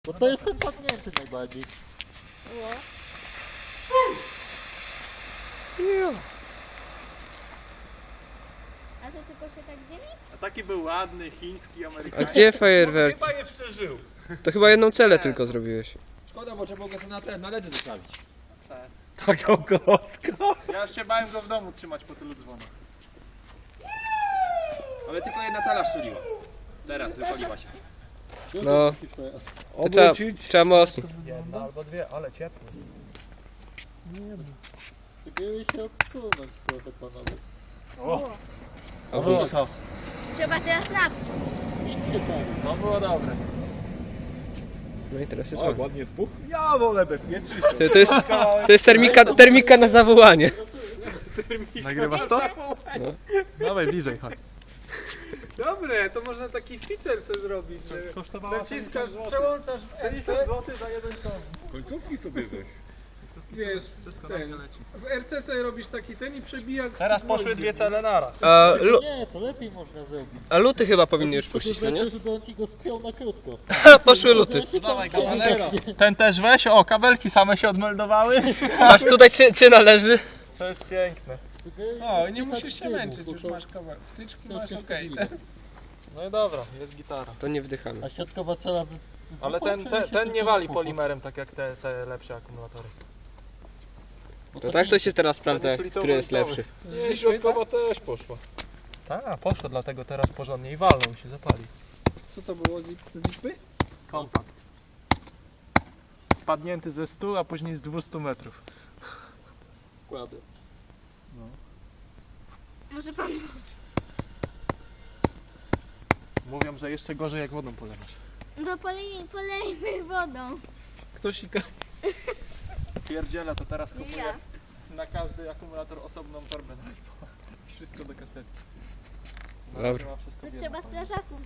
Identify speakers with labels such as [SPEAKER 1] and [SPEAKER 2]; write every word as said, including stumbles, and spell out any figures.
[SPEAKER 1] Bo to jestem padnięty najbardziej.
[SPEAKER 2] Ło. A to tylko się tak dzieli?
[SPEAKER 3] A taki był ładny, chiński,
[SPEAKER 4] A
[SPEAKER 3] amerykański.
[SPEAKER 4] gdzie fajerwerki?
[SPEAKER 3] Chyba jeszcze żył.
[SPEAKER 4] To chyba jedną celę tylko zrobiłeś.
[SPEAKER 5] Szkoda, bo trzeba go sobie na ten, na ledy zostawić.
[SPEAKER 3] Taką klocką. Ja już się bałem go w domu trzymać po tylu dzwonach.
[SPEAKER 5] Ale tylko jedna cala strzeliła. Teraz wypaliła się.
[SPEAKER 4] No. To trzeba, trzeba mocniej.
[SPEAKER 3] Jedna albo dwie, ale ciepło.
[SPEAKER 1] Spróbuję się odsunąć trochę panowie.
[SPEAKER 3] O,
[SPEAKER 4] O,
[SPEAKER 3] było to.
[SPEAKER 2] Trzeba teraz napić.
[SPEAKER 1] Idźcie tam.
[SPEAKER 3] To było dobre.
[SPEAKER 4] no i teraz jest
[SPEAKER 3] O,
[SPEAKER 4] ładnie.
[SPEAKER 3] ładnie spuch. Ja wolę bezpiecznie.
[SPEAKER 4] To, to jest, to jest termika, termika na zawołanie.
[SPEAKER 3] Nagrywasz to?
[SPEAKER 4] No.
[SPEAKER 3] Dawaj bliżej, chodź. Dobre, to można taki feature sobie zrobić, że naciskasz, przełączasz w R C za jeden ton.
[SPEAKER 5] Końcówki sobie weź.
[SPEAKER 3] Wiesz, ten, w R C sobie robisz taki ten i przebija. Teraz poszły dwie cele naraz.
[SPEAKER 4] A, lu,
[SPEAKER 1] Nie, to lepiej można zrobić.
[SPEAKER 4] a luty chyba powinny już puścić, no nie?
[SPEAKER 1] Żeby on ci go spiął na krótko.
[SPEAKER 4] Poszły luty.
[SPEAKER 3] Dawaj kabelek. Ten też weź, o kabelki same się odmeldowały.
[SPEAKER 4] Masz tutaj cy, cyna leży.
[SPEAKER 3] To jest piękne.
[SPEAKER 1] O,
[SPEAKER 3] nie musisz się męczyć, już masz kabel. Wtyczki masz
[SPEAKER 1] jest
[SPEAKER 3] okej.
[SPEAKER 1] stabilne.
[SPEAKER 3] No i dobra, jest gitara.
[SPEAKER 4] To nie wdychamy.
[SPEAKER 1] A siatkowa cela wy...
[SPEAKER 3] Ale ten,
[SPEAKER 1] wypłaczy
[SPEAKER 3] te,
[SPEAKER 1] się
[SPEAKER 3] ten
[SPEAKER 1] tylko
[SPEAKER 3] nie
[SPEAKER 1] na
[SPEAKER 3] wali
[SPEAKER 1] pokój.
[SPEAKER 3] polimerem tak jak te, te lepsze akumulatory.
[SPEAKER 4] To tak to się teraz sprawdza, który jest lepszy.
[SPEAKER 3] Nie, środkowa też poszła. Tak, poszło, dlatego teraz porządnie i walną się zapali.
[SPEAKER 5] Co to było? Zipy?
[SPEAKER 3] Kontakt. Spadnięty ze stu, a później z dwustu metrów.
[SPEAKER 1] Kładę.
[SPEAKER 2] Może pan...
[SPEAKER 3] Mówią, że jeszcze gorzej jak wodą polewasz.
[SPEAKER 2] No polej, polejmy wodą.
[SPEAKER 3] Ktoś i pierdziela, to teraz kupuję
[SPEAKER 2] Ja.
[SPEAKER 3] na każdy akumulator osobną torbę na lipo. Wszystko do kasety.
[SPEAKER 4] Dobra.
[SPEAKER 3] Ma wszystko
[SPEAKER 2] To
[SPEAKER 3] w
[SPEAKER 2] trzeba
[SPEAKER 3] jednym.
[SPEAKER 2] strażaków